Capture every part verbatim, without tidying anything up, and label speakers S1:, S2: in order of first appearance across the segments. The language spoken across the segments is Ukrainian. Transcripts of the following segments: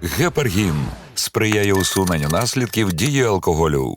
S1: Гепаргін сприяє усуненню наслідків дії алкоголю.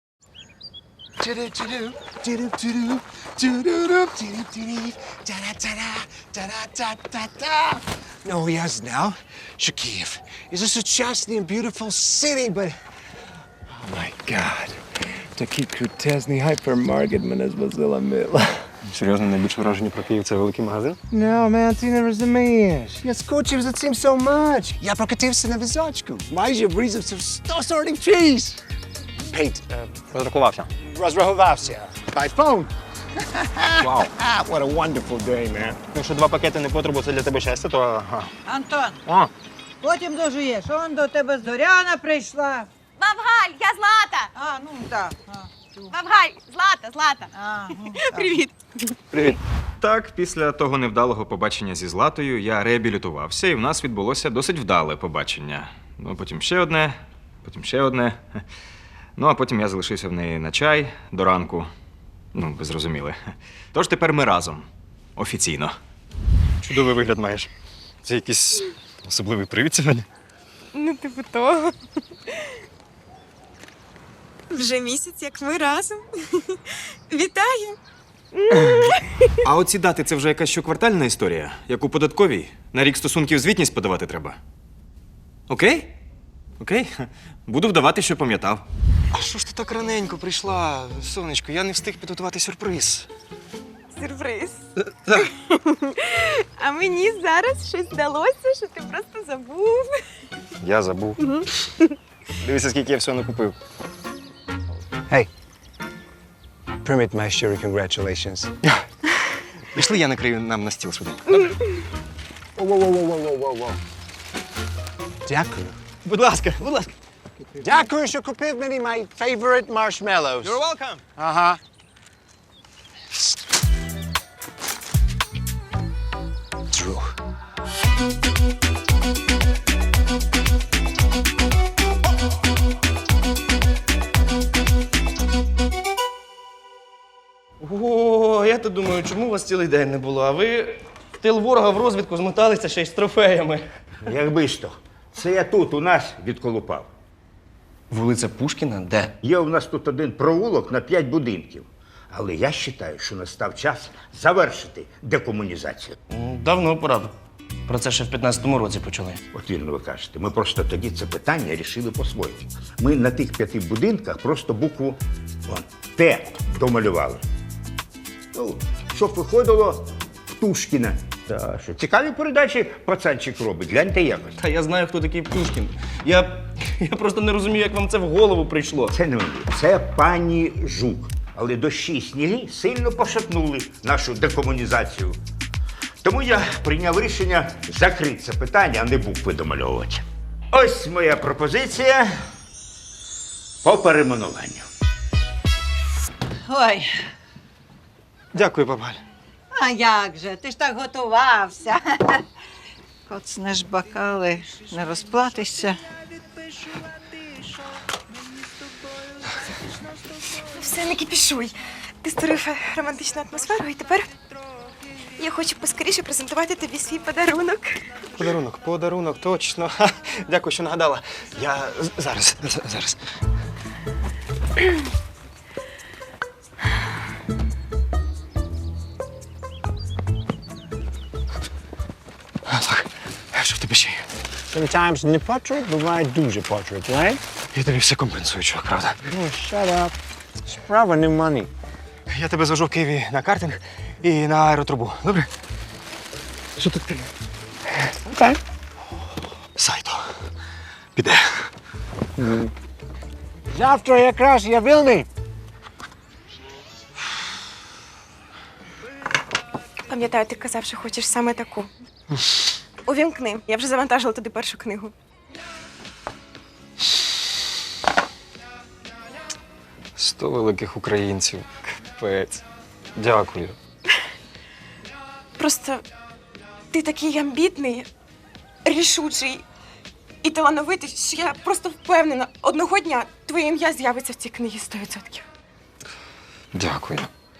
S2: Oh, я знал, что Киев is a сучасный and beautiful city, but... Oh, my God. Такий крутезний гайпермаркет мене звозила мила.
S3: Серйозно, найбільше враження про Київ – це великий магазин?
S2: No, man, ти не розумієш. Я скучив за цим so much. Я прокатився на візочку. Майже врізався в сто сортів чиз. Пейт,
S3: Розрахувався.
S2: розрахувався. By phone.
S3: Вау.
S2: What a wonderful day, man.
S3: Якщо два пакети не потребу, це для тебе щастя, то... Ага.
S4: Антон,
S3: О,
S4: потім дожуєш. Он до тебе Зоряна прийшла.
S5: Бабгаль, я Злата!
S4: А, ну так. А,
S5: Бабгаль, Злата, Злата.
S4: а, ну, так.
S5: Привіт.
S3: привіт.
S6: Так, після того невдалого побачення зі Златою я реабілітувався, і в нас відбулося досить вдале побачення. Ну, потім ще одне, потім ще одне. Ну, а потім я залишився в неї на чай до ранку. Ну, ви зрозуміли. Тож тепер ми разом. Офіційно.
S3: Чудовий вигляд маєш. Це якийсь особливий привід сьогодні?
S5: Ну, типу того. Вже місяць, як ми разом. Вітаю.
S6: А оці дати – це вже якась щоквартальна історія? Як у податковій? На рік стосунків звітність подавати треба? Окей? Окей. Буду вдавати, що пам'ятав.
S3: А що ж ти так раненько прийшла, сонечко? Я не встиг підготувати сюрприз.
S5: Сюрприз. А мені зараз щось здалося, що ти просто забув.
S3: Я забув. Дивися, скільки я всього накупив.
S2: Hey. Permit my щирі congratulations.
S3: Пішли, я накрию нам на стіл швиденько.
S2: Воу-воу-воу-воу-воу-воу. Дякую.
S3: Будь ласка, будь ласка.
S2: Дякую, що купив мені my favorite marshmallows.
S3: You're welcome.
S2: Ага. Друг.
S7: О, я то думаю, чому у вас цілий день не було, а ви в тил ворога в розвідку змоталися ще й з трофеями.
S8: Якби ж то. Це я тут у нас відколупав.
S7: Вулиця Пушкіна де?
S8: Є у нас тут один провулок на п'ять будинків. Але я вважаю, що настав час завершити декомунізацію.
S7: М, Давно пора. б. Про це ще в п'ятнадцятому році почали.
S8: От вірно ви кажете, ми просто тоді це питання рішили по-своєму. Ми на тих п'яти будинках просто букву вон, Т домалювали. Ну, щоб виходило Птушкіна. Та, що цікаві передачі пацанчик робить, гляньте якось.
S7: Та я знаю, хто такий Пушкін. Я, я просто не розумію, як вам це в голову прийшло.
S8: Це не мені, це пані Жук. Але дощі й сніги сильно пошатнули нашу декомунізацію. Тому я прийняв рішення закрити це питання, а не букви домальовувати. Ось моя пропозиція по перейменуванню.
S4: Ой,
S3: Дякую, бабаль.
S4: а як же? Ти ж так готувався. Коцнеш бокали, не розплатишся.
S5: Все, не кипішуй. Ти створив романтичну атмосферу, і тепер я хочу поскоріше презентувати тобі свій подарунок.
S3: Подарунок, подарунок, точно. Ха, дякую, що нагадала. Я з- зараз, з- зараз. А, так, що в тебе ще є?
S2: Sometimes не портрет буває дуже портрет, right?
S3: Я тобі все компенсую, чувак, правда.
S2: Oh, shut up. Справа не money.
S3: Я тебе звожу в Києві на картинг і на аеротрубу. Добре? Що тут?
S2: Okay.
S3: Сайто. Піде.
S2: Завтра якраз я вільний.
S5: Пам'ятаю, ти казав, що хочеш саме таку. Увімкни. Я вже завантажила туди першу книгу.
S3: Сто великих українців. Капець. Дякую.
S5: Просто ти такий амбітний, рішучий і талановитий, що я просто впевнена, одного дня твоє ім'я з'явиться в цій книгі сто відсотків.
S3: Дякую.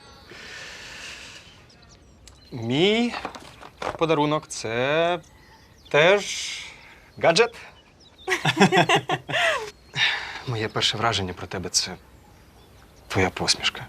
S3: Мій подарунок це теж гаджет.
S6: Моє перше враження про тебе це твоя посмішка.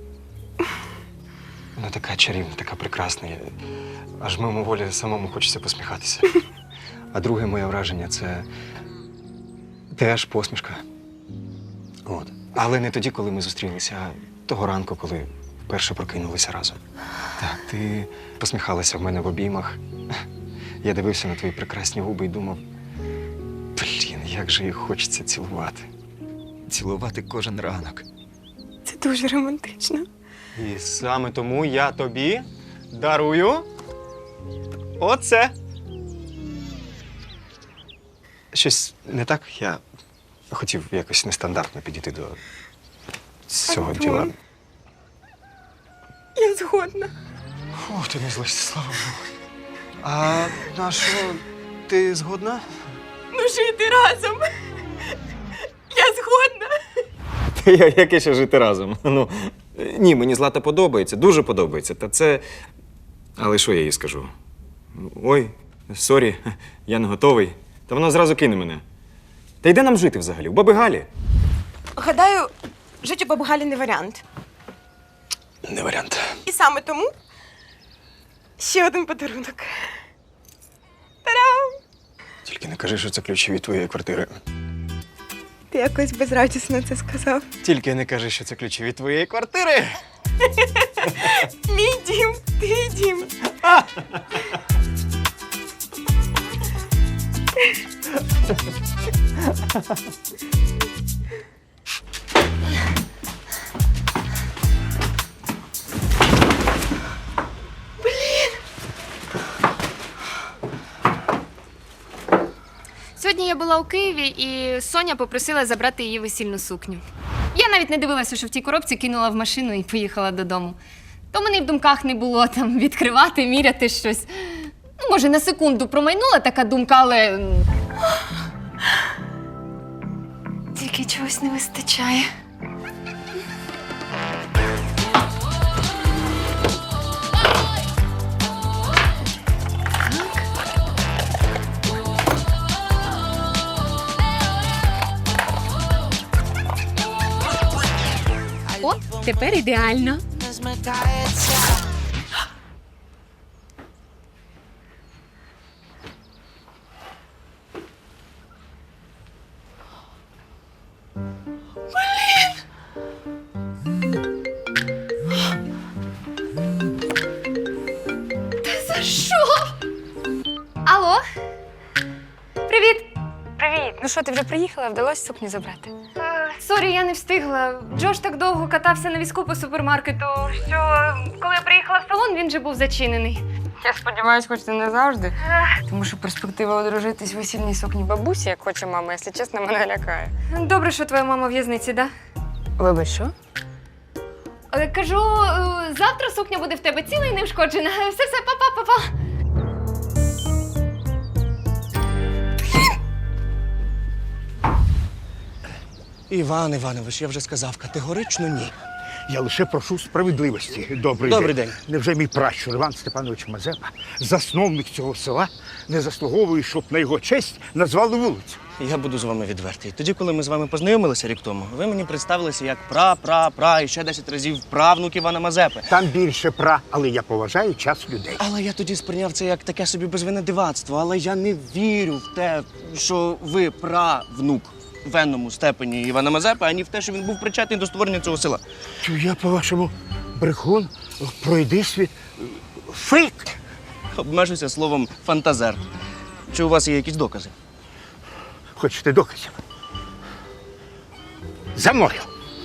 S6: Вона така чарівна, така прекрасна. Я- Аж мимоволі самому хочеться посміхатися. А друге моє враження це теж посмішка. От. Але не тоді, коли ми зустрілися, а того ранку, коли вперше прокинулися разом. Так, ти посміхалася в мене в обіймах. Я дивився на твої прекрасні губи і думав, блін, як же їх хочеться цілувати. Цілувати кожен ранок.
S5: Це дуже романтично.
S3: І саме тому я тобі дарую оце.
S6: Щось не так? Я хотів якось нестандартно підійти до цього
S5: Антон.
S6: діла.
S5: Я згодна.
S6: Фу, ти не злишся, слава Богу. А на що, ти згодна?
S5: Ну, жити разом. Я згодна.
S6: Яке ще жити разом? Ну, ні, мені Злата подобається, дуже подобається. Та це. Але що я їй скажу? Ой, сорі, я не готовий. Та вона зразу кине мене. Та йде нам жити взагалі? У баби Галі?
S5: Гадаю, жити у баби Галі не варіант.
S6: Не варіант.
S5: І саме тому ще один подарунок. Та-дам!
S6: Тільки не кажи, що це ключі від твоєї квартири.
S5: Ти якось безрадісно це сказав.
S3: Тільки не кажи, що це ключі від твоєї квартири.
S5: Мій дім, твій дім.
S9: Сьогодні я була у Києві, і Соня попросила забрати її весільну сукню. Я навіть не дивилася, що в тій коробці кинула в машину і поїхала додому. То мене й в думках не було там відкривати, міряти щось. Ну, може, на секунду промайнула така думка, але. м, Тільки чогось не вистачає. О, тепер ідеально. Та за що? Алло? Привіт.
S10: Привіт! Ну що, ти вже приїхала? Вдалося сукню забрати?
S9: Сорі, я не встигла. Джош так довго катався на візку по супермаркету, що коли я приїхала в салон, він вже був зачинений.
S10: Я сподіваюся, хоч це не завжди. Тому що перспектива одружитись в весільній сукні бабусі, як хоче мама, якщо чесно, мене лякає.
S9: Добре, що твоя мама в в'язниці, да?
S10: Вибач, що?
S9: Е, Кажу, е, завтра сукня буде в тебе ціла і неушкоджена. Все-все, па-па-па-па.
S7: Іван Іванович, я вже сказав, категорично ні.
S8: Я лише прошу справедливості. Добрий,
S7: Добрий
S8: день.
S7: день.
S8: Невже мій пращур Іван Степанович Мазепа, засновник цього села, не заслуговує, щоб на його честь назвали вулицю?
S7: Я буду з вами відвертий. Тоді, коли ми з вами познайомилися рік тому, ви мені представилися як пра-пра-пра і ще десять разів правнук Івана Мазепи.
S8: Там більше пра, але я поважаю час людей.
S7: Але я тоді сприйняв це як таке собі безвинне дивацтво. Але я не вірю в те, що ви правнук в енному степені Івана Мазепи, ані в те, що він був причетний до створення цього села.
S8: То я, по-вашому, брехун, пройди світ. Фейк!
S7: Обмежуся словом фантазер. Чи у вас є якісь докази?
S8: Хочете доказів? За мною!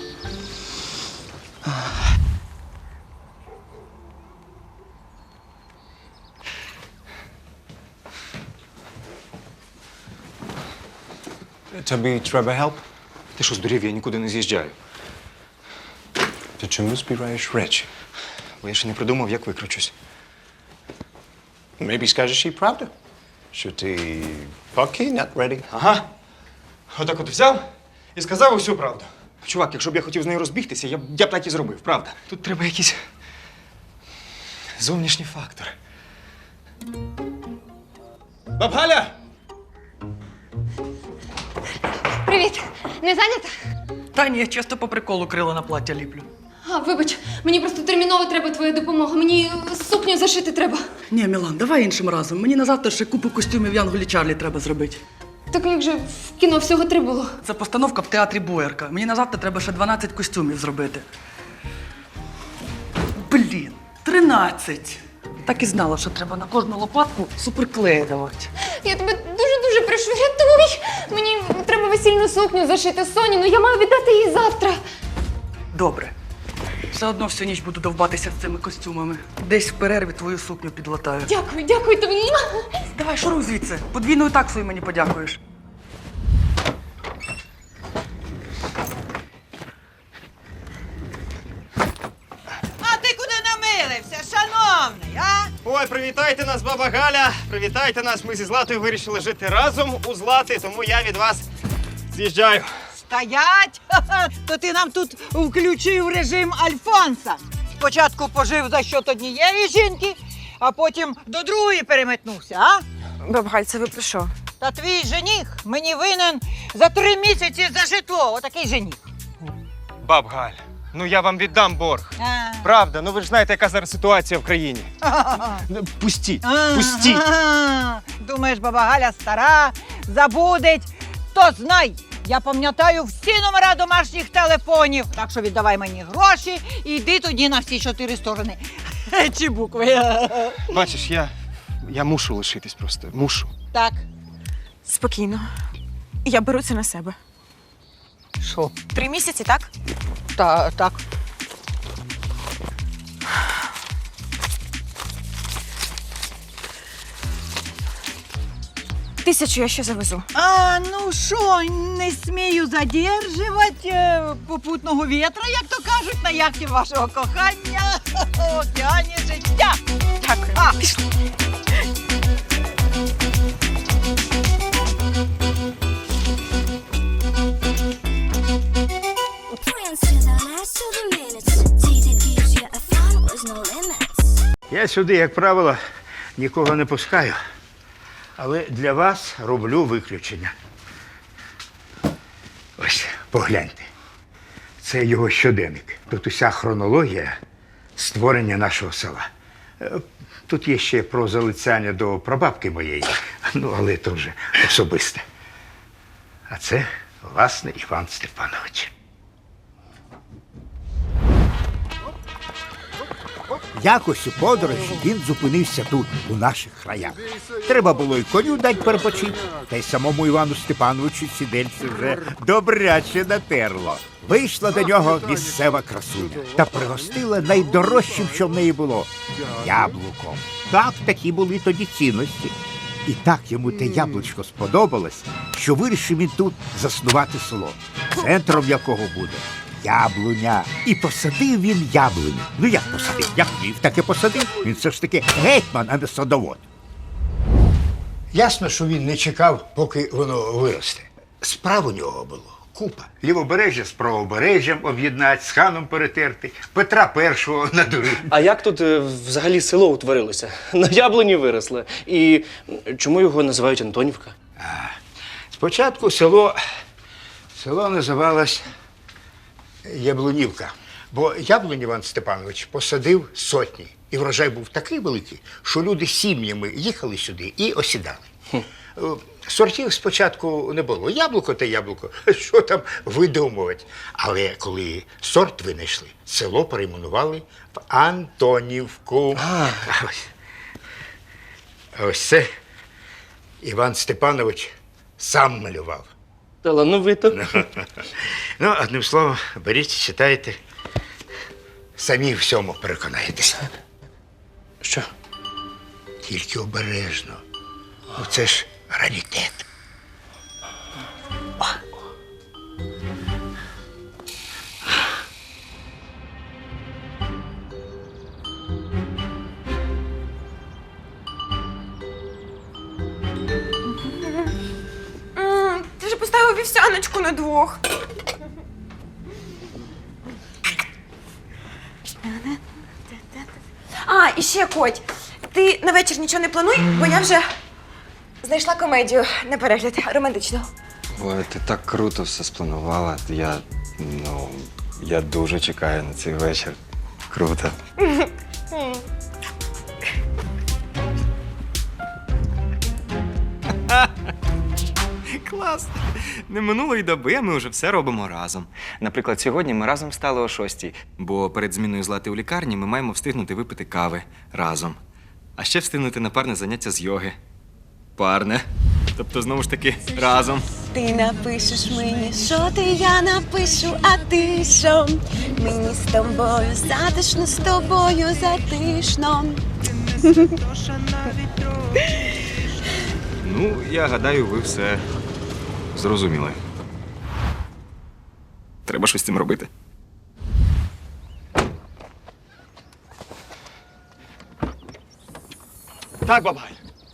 S6: Тобі треба help? Ти що, здурів, я нікуди не з'їжджаю.
S11: Ти чому збираєш речі?
S6: Бо я ще не придумав, як викручусь.
S11: Maybe скажеш їй правду, що ти поки not ready.
S6: Ага. Отак от взяв і сказав усю правду. Чувак, якщо б я хотів з нею розбігтися, я б, я б так і зробив, правда. Тут треба якісь зовнішні фактори. Баб Галя!
S9: Привіт! Не зайнята?
S12: Та ні, чисто по приколу крила на плаття ліплю.
S9: А, вибач, мені просто терміново треба твоя допомога. Мені сукню зашити треба.
S12: Ні, Мілан, давай іншим разом. Мені на завтра ще купу костюмів Янголі Чарлі треба зробити.
S9: Так як же в кіно всього три було?
S12: Це постановка в театрі Боярка. Мені на завтра треба ще дванадцять костюмів зробити. Блін, тринадцять. Так і знала, що треба на кожну лопатку суперклеї давати.
S9: Я тебе дуже-дуже прошу, рятуй! Мені треба весільну сукню зашити Соні, ну я маю віддати її завтра.
S12: Добре. Все одно всю ніч буду довбатися з цими костюмами. Десь в перерві твою сукню підлатаю.
S9: Дякую, дякую тобі.
S12: Давай, шуруй звідси. Подвійною таксою мені подякуєш.
S4: А ти куди намилився, шановний, а?
S3: Ой, привітайте нас, баба Галя! Привітайте нас! Ми зі Златою вирішили жити разом у Злати, тому я від вас з'їжджаю.
S4: Стоять! Ха-ха! То ти нам тут включив режим Альфонса. Спочатку пожив за счет однієї жінки, а потім до другої переметнувся, а?
S5: Баб Галь, це ви про що?
S4: Та твій жених мені винен за три місяці за житло. Отакий жених.
S3: Баб Галь, ну я вам віддам борг.
S4: А.
S3: Правда, ну ви ж знаєте, яка зараз ситуація в країні. Ну, Пустіть, пустіть.
S4: Ага. Думаєш, баба Галя стара, забудеть. То знай, я пам'ятаю всі номера домашніх телефонів. Так що віддавай мені гроші і йди тоді на всі чотири сторони. Чи букви.
S3: Бачиш, я, я мушу лишитись просто, мушу.
S4: Так.
S5: Спокійно. Я беру це на себе.
S4: Що?
S5: Три місяці, так?
S4: Та, так.
S5: Тисячу я ще завезу.
S4: А, ну що, не смію задержувати е, попутного вітра, як то кажуть, на яхті вашого кохання в океані життя.
S5: Дякую.
S4: А.
S5: Пішли.
S8: Я сюди, як правило, нікого не пускаю. Але для вас роблю виключення. Ось, погляньте. Це його щоденник. Тут уся хронологія створення нашого села. Е, Тут є ще про залицяння до прабабки моєї, ну, але це вже особисте. А це, власне, Іван Степанович.
S13: Якось у подорожі він зупинився тут, у наших краях. Треба було й коню дать перепочити, та й самому Івану Степановичу сідельце вже добряче натерло. Вийшла до нього місцева красуня та пригостила найдорожчим, що в неї було – яблуком. Так, такі були тоді цінності. І так йому те яблучко сподобалось, що вирішив він тут заснувати село, центром якого буде яблуня. І посадив він яблуню. Ну як посадив? Як вмів, так і посадив. Він все ж таки гетьман, а не садовод.
S8: Ясно, що він не чекав, поки воно виросте. Справ у нього було купа. Лівобережжя з правобережжям об'єднати, з ханом перетерти, Петра Першого надурити.
S7: А як тут е, взагалі село утворилося? На яблуні виросло. І чому його називають Антонівка?
S8: Спочатку село, село називалось Яблунівка, бо яблунь Іван Степанович посадив сотні. І врожай був такий великий, що люди сім'ями їхали сюди і осідали. Хм. Сортів спочатку не було. Яблуко та яблуко, що там видумувати. Але коли сорт винайшли, село перейменували в Антонівку. А ось, ось це Іван Степанович сам малював.
S7: Талановито.
S8: Ну, одним словом, беріть, читайте. Самі в всьому переконаєтеся.
S7: Що?
S8: Тільки обережно. Ну, це ж раритет.
S5: М, Ти ж поставив вівсяночку на двох. А, і ще, Коть, ти на вечір нічого не плануй, бо я вже знайшла комедію на перегляд романтичну.
S6: Ой, ти так круто все спланувала. Я, ну, я дуже чекаю на цей вечір. Круто. Клас! Не минулої доби, а ми вже все робимо разом. Наприклад, сьогодні ми разом встали о шостій, бо перед зміною Злати у лікарні ми маємо встигнути випити кави разом. А ще встигнути на парне заняття з йоги. Парне. Тобто, знову ж таки, разом.
S5: Ти напишеш мені, що ти, я напишу, а ти що? Мені з тобою затишно, з тобою затишно.
S6: Ну, я гадаю, ви все зрозуміли. Треба щось з цим робити.
S3: Так, бабай.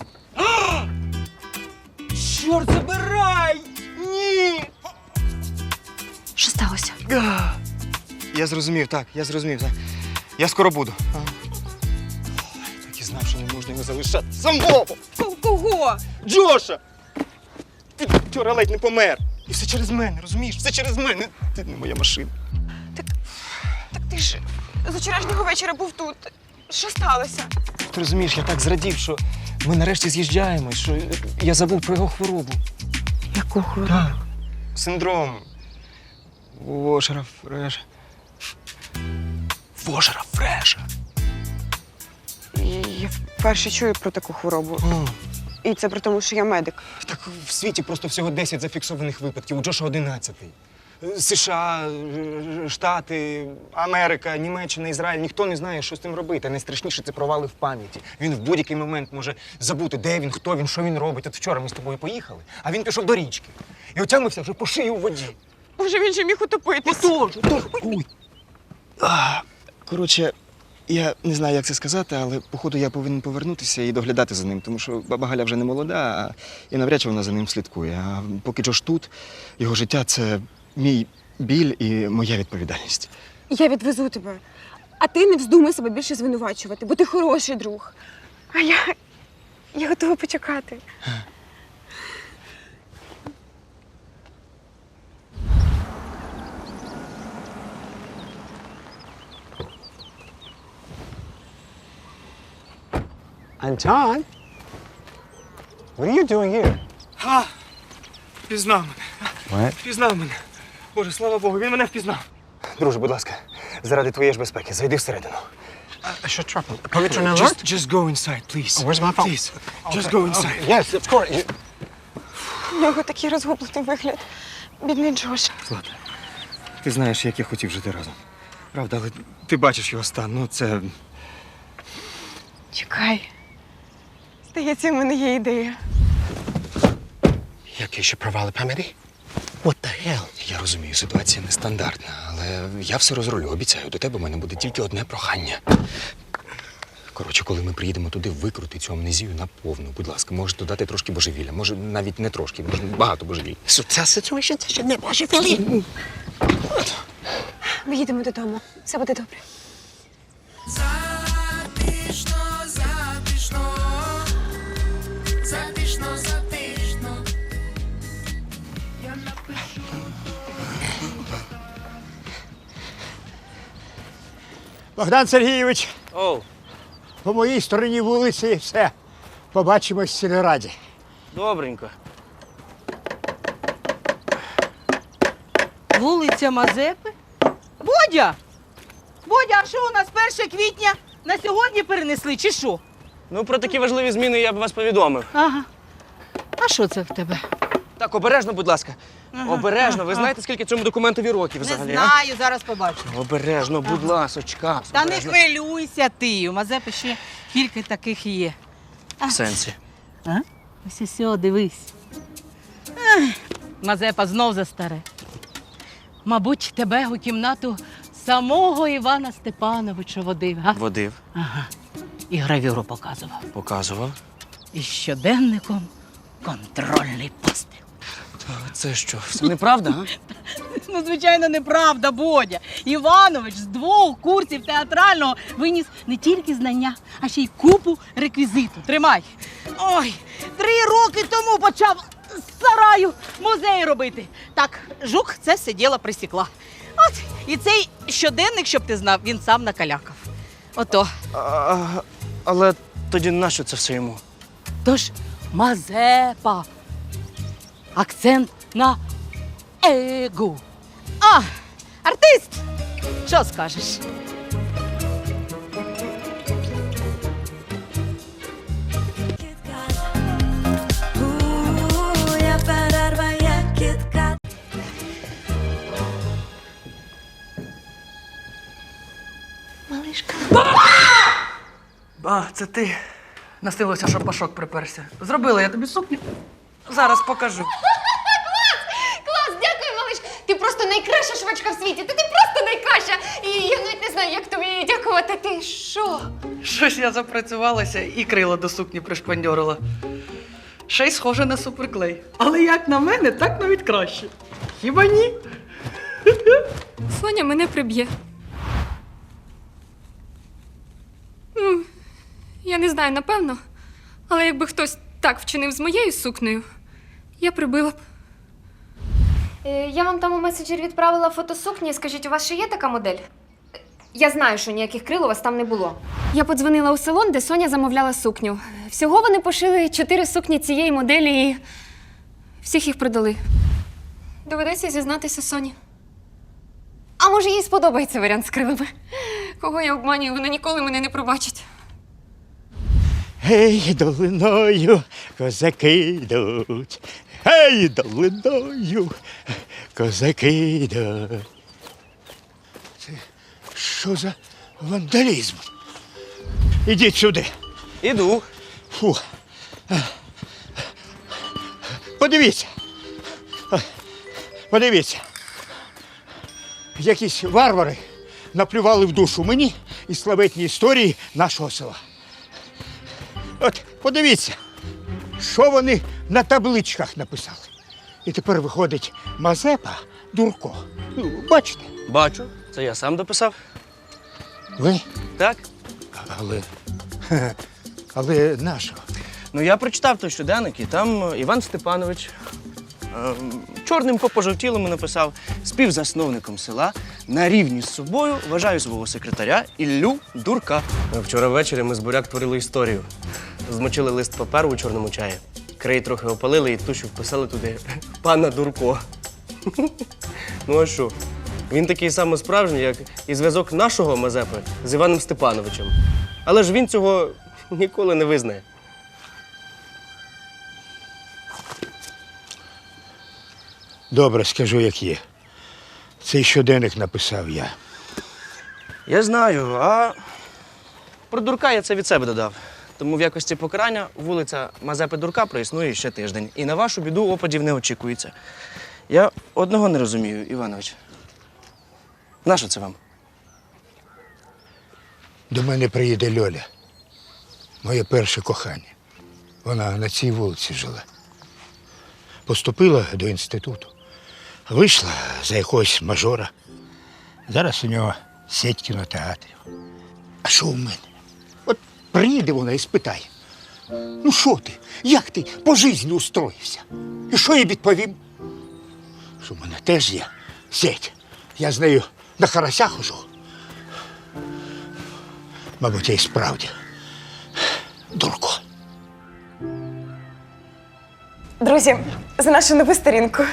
S3: Чорт, забирай! Ні!
S5: Що сталося?
S3: Я зрозумів, так, я зрозумів, так. Я скоро буду. Так і знав, що не можна його залишати самого!
S5: Кого?
S3: Джоша! Ти вчора ледь не помер. І все через мене, розумієш? Все через мене. Ти не моя машина.
S5: Так ти ж з вчорашнього вечора був тут. Що сталося?
S3: Ти розумієш, я так зрадів, що ми нарешті з'їжджаємось, що я забув про його хворобу.
S5: Яку хворобу?
S3: Так. Синдром. Вошера Фреша. Вошера Фреша.
S5: Я вперше чую про таку хворобу.
S3: О,
S5: І це при тому, що я медик.
S3: так в світі просто всього десять зафіксованих випадків, у Джоша одинадцятий. США, Штати, Америка, Німеччина, Ізраїль. Ніхто не знає, що з цим робити. А найстрашніше – це провали в пам'яті. Він в будь-який момент може забути, де він, хто він, що він робить. От вчора ми з тобою поїхали, а він пішов до річки. І отямився вже по шию у воді.
S5: Боже, він же міг утопитись.
S3: Тож, тож, ой. А, коротше, я не знаю, як це сказати, але походу я повинен повернутися і доглядати за ним, тому що баба Галя вже не молода, а і навряд чи вона за ним слідкує. А поки Джош тут, його життя – це мій біль і моя відповідальність.
S5: Я відвезу тебе. А ти не вздумай себе більше звинувачувати, бо ти хороший друг. А я. Я готова почекати.
S2: Anton? What are you doing here?
S3: А, впізнав мене.
S2: What?
S3: Впізнав мене. Боже, слава Богу, він мене впізнав. Друже, будь ласка, заради твоєї ж безпеки, зайди всередину.
S2: Що трапило? Повітряний алерт?
S3: Just, just go inside, please.
S2: Oh, where's my phone?
S3: Please, just go inside.
S2: Yes, of course. You-
S5: У нього такий розгублений вигляд. Бідний Джош.
S3: Злата, ти знаєш, як я хотів жити разом. Правда, але ти бачиш його стан, ну це…
S5: Чекай. Здається, в мене є ідея.
S2: Які ще провали пам'яті? What the hell?
S6: Я розумію, ситуація нестандартна, але я все розрулю, обіцяю. До тебе в мене буде тільки одне прохання. Коротше, коли ми приїдемо туди, викрути цю амнезію наповну. Будь ласка, можеш додати трошки божевілля. Може, навіть не трошки, може, багато божевілля.
S2: So ця ситуація це ще не ваші філі.
S5: Ми їдемо додому. Все буде добре.
S13: Богдан Сергійович,
S7: Оу,
S13: по моїй стороні вулиці все. Побачимось в сільраді.
S7: добренько.
S4: Вулиця Мазепи? Бодя! Бодя, а що у нас перше квітня на сьогодні перенесли, чи що?
S7: Ну, про такі важливі зміни я б вас повідомив.
S4: Ага. А що це в тебе?
S7: Так, обережно, будь ласка.
S4: Ага,
S7: Обережно. Ви
S4: ага.
S7: знаєте, скільки цьому документові років взагалі?
S4: Не знаю, зараз побачу.
S7: А? Обережно, будь ласочка.
S4: Та не
S7: Обережно.
S4: хвилюйся ти, у Мазепи ще кілька таких є.
S7: В сенсі.
S4: А? Ось ось, дивись. Ех, Мазепа знов за старе. Мабуть, тебе у кімнату самого Івана Степановича водив, га?
S7: Водив,
S4: Ага. І гравюру показував.
S7: показував.
S4: І щоденником контрольний постріл.
S7: Це що, все неправда, а?
S4: Ну, звичайно, неправда, Бодя. Іванович з двох курсів театрального виніс не тільки знання, а ще й купу реквізиту. Тримай. Ой, три роки тому почав з сараю музей робити. Так, жук це все діло присікла. От, і цей щоденник, щоб ти знав, він сам накалякав. Ото.
S7: А, але тоді нащо це все йому?
S4: Тож Мазепа. Акцент на егу. А, артист! Що скажеш?
S12: А, це ти. Настилося, що пашок приперся. Зробила я тобі сукню. Зараз покажу.
S9: Клас, дякую, малиш! Ти просто найкраща швачка в світі. Ти, ти просто найкраща! І я навіть не знаю, як тобі дякувати. Ти що?
S12: Щось я запрацювалася і крила до сукні пришпандьорила. Ще й схоже на суперклей. Але як на мене, так навіть краще. Хіба ні?
S9: Соня мене приб'є. Ну, я не знаю, напевно. Але якби хтось так вчинив з моєю сукнею, я прибила б. Е, я вам там у меседжер відправила фото сукні. Скажіть, у вас ще є така модель? Я знаю, що ніяких крил у вас там не було. Я подзвонила у салон, де Соня замовляла сукню. Всього вони пошили чотири сукні цієї моделі і всіх їх продали. Доведеться зізнатися Соні. А може, їй сподобається варіант з крилами? Кого я обманюю, вона ніколи мене не пробачить.
S13: Гей, долиною козаки йдуть. Гей, долиною козаки йдуть. Це що за вандалізм? Ідіть сюди.
S7: Іду.
S13: Фу. Подивіться. Подивіться. Якісь варвари наплювали в душу мені і славетні історії нашого села. От, подивіться, що вони на табличках написали. І тепер виходить Мазепа Дурко. Ну, бачите?
S7: Бачу, це я сам дописав.
S13: Ви?
S7: Так?
S13: Але. Але нащо?
S7: Ну, я прочитав той щоденник, і там Іван Степанович е, чорним по пожовтілому написав: співзасновником села на рівні з собою вважаю свого секретаря Іллю Дурка. Вчора ввечері ми з буряк творили історію. Змочили лист паперу у чорному чаї, крей трохи опалили і тушу вписали туди пана Дурко. Ну а що? Він такий самий справжній, як і зв'язок нашого Мазепи з Іваном Степановичем. Але ж він цього ніколи не визнає.
S13: Добре, скажу, як є. Цей щоденник написав я.
S7: Я знаю, а про Дурка я це від себе додав. Тому в якості покарання вулиця Мазепи Дурка проіснує ще тиждень. І на вашу біду опадів не очікується. Я одного не розумію, Іванович. Нащо це вам?
S13: До мене приїде Льоля. Моє перше кохання. Вона на цій вулиці жила. Поступила до інституту. Вийшла за якогось мажора. Зараз у нього сеть кінотеатрів. А що у мене? От приїде вона і спитає: ну що ти? Як ти по житті устроївся? І що я відповім? Що в мене теж є сеть. Я з нею на карася хожу. Мабуть, я і справді Дурко.
S5: Друзі, за нашу нову сторінку.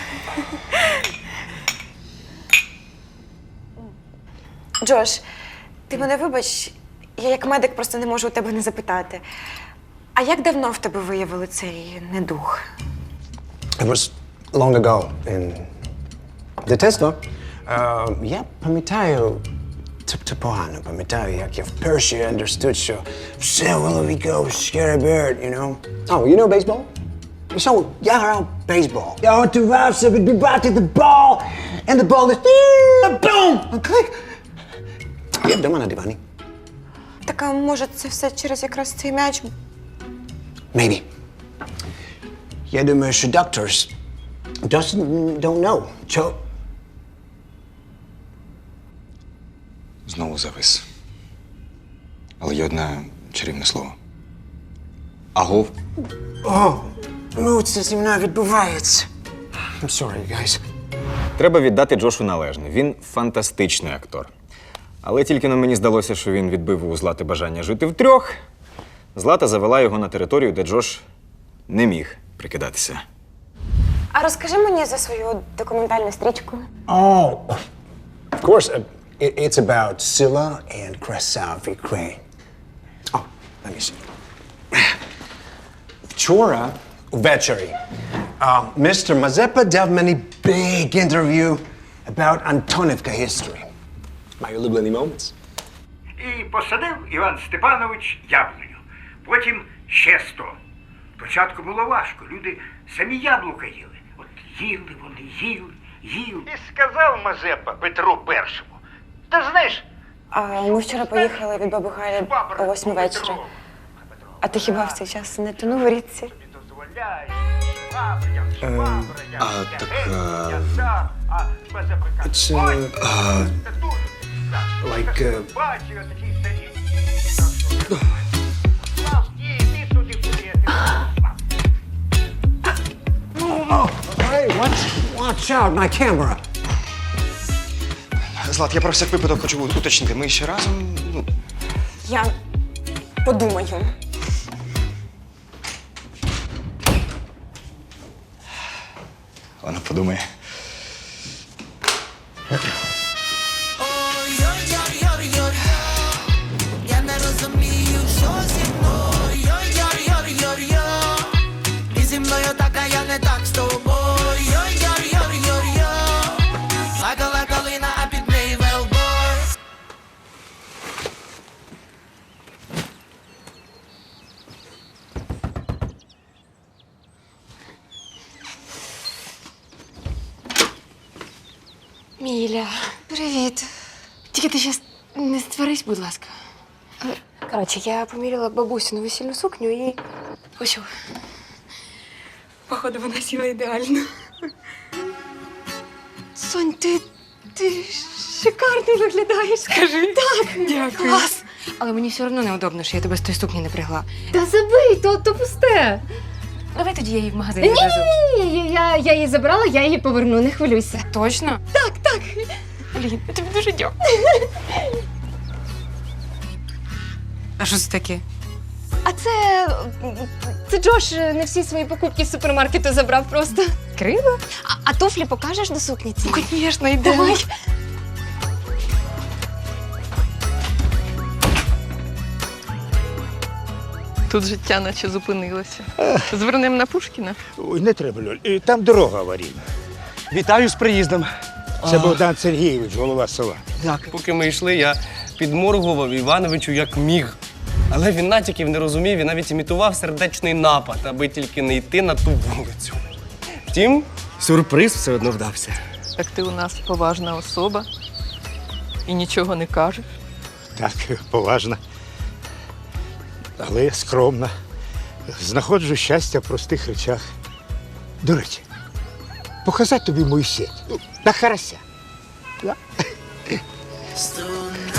S5: Джош, ти мене вибач, я як медик просто не можу у тебе не запитати. А як давно в тебе виявили цей недух?
S14: It was long ago in дитинство. Uh, я пам'ятаю, тобто погано пам'ятаю, як я вперше understood, що все в голові goes scary bird, you know. Oh, you know baseball? So, я грав бейсбол. Я готувався відбивати the ball, and the ball is boom, and click. Я вдома на дивані.
S5: Так, а може це все через якраз цей м'яч?
S14: Maybe. Я думаю, що doctors just don't know. Що?
S6: Знову завис. Але є одне чарівне слово. Агов.
S14: О, Ну, це зі мною відбувається. I'm sorry, guys.
S6: Треба віддати Джошу належне. Він фантастичний актор. Але тільки на мені здалося, що він відбив у Злати бажання жити втрьох. Злата завела його на територію, де Джош не міг прикидатися.
S5: А розкажи мені за свою документальну стрічку.
S14: Oh, of course. Uh, it, it's about Scylla and Krasav Ukraine. Oh, let me see. Вчора ввечері uh, містер Мазепа дав мені big interview about Антонівка history. My улюблені moments.
S8: І посадив Іван Степанович яблуню. Потім ще сто. Спочатку було важко. Люди самі яблука їли. От їли вони, їли, їли. І сказав Мазепа Петру Першому. Ти знаєш,
S5: А ми вчора поїхали від баби Галі о восьмій вечора. А ти хіба в цей час не тонув у річці?
S14: А, так, it's, uh, uh, like, uh, Hey, watch, watch out, my camera.
S3: Злат, я про всяк випадок хочу уточнити. Ми ще разом, ну,
S5: Я подумаю.
S3: вона подумає.
S15: Я не розумію, що зі мною. Ти зі мною так, а я не так з тобою. Плакала калина, а під неї велбой.
S10: Міля, привіт. Тільки ти щас не створись, будь ласка. Коротше, я поміряла бабусину весільну сукню і. Ось. що.
S5: Походу, вона сіла ідеально.
S10: Сонь, ти. ти шикарно виглядаєш. Скажи. Так,
S5: Дякую.
S10: клас. Але мені все одно неудобно, що я тебе з тої сукні не пригла. Та забий, то, то пусте. Давай тоді я її в магазин
S9: Ні,
S10: відвезу.
S9: ні, ні, я, я її забрала, я її поверну, не хвилюйся.
S10: Точно?
S9: Так, так.
S10: Блін, я тобі дуже дякую. А що це таке?
S9: А це. Це Джош не всі свої покупки з супермаркету забрав просто.
S10: Криво?
S9: А, а туфлі покажеш до сукні цієї?
S10: Звісно, йде.
S9: Давай.
S12: Тут життя наче зупинилося. Звернемо на Пушкіна.
S13: Ой, не треба, Льоль. Е, Там дорога аварійна.
S7: Вітаю з приїздом.
S13: Це Богдан Сергійович, голова села.
S7: Так, поки ми йшли, я підморгував Івановичу як міг. Але він натяків не розумів і навіть імітував сердечний напад, аби тільки не йти на ту вулицю. Втім, сюрприз все одно вдався.
S12: Так ти у нас поважна особа і нічого не кажеш.
S13: Так, поважна, але скромна. Знаходжу щастя в простих речах. До речі, показати тобі мою сеть. Ну, на карася. Да?